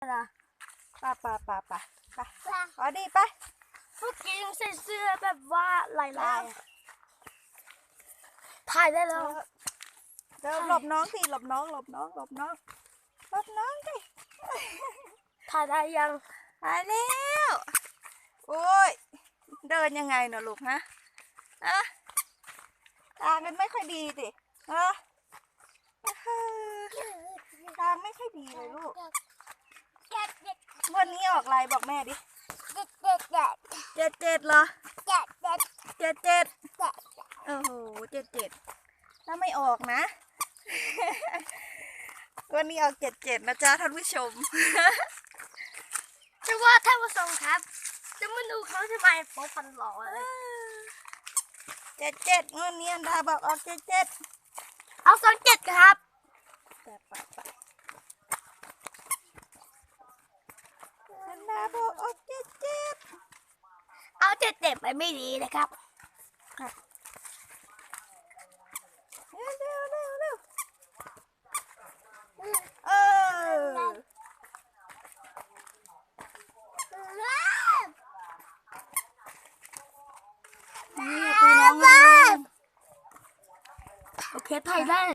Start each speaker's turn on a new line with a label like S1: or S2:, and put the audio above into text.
S1: นะ
S2: ป่าขอดีไป
S1: เมื่อกี้ยังใส่เสื้อแบบว่าลายถ่ายได้แล้ว
S2: เดี๋ยวหลบน้องสิหลบน้องสิ
S1: ถ่ายได้ยัง
S2: หายแล้วโอ้ยเดินยังไงเนอะลูกฮะทางมันไม่ค่อยดีสิทางไม่ค่อยดีเลยลูกวันนี้ออกอะไรบอกแม่ดิ77เหรอ77โอ้โห77ถ้าไม่ออกนะ วันนี้ออก77นะจ๊ะท่านผู้ชม
S1: จะว่าท่านผู้ชมครับจะมาดูเขาทำไมโป๊ฟันหล่อเลย
S2: 77งวดนี้อันดาบอกออก77
S1: เอา27ครับ
S2: อันดาบอกออก77
S1: เอา77ไปไม่ดีนะครับ
S2: เร็วนี่ตีน้องเลย
S1: โอเคถ่ายได้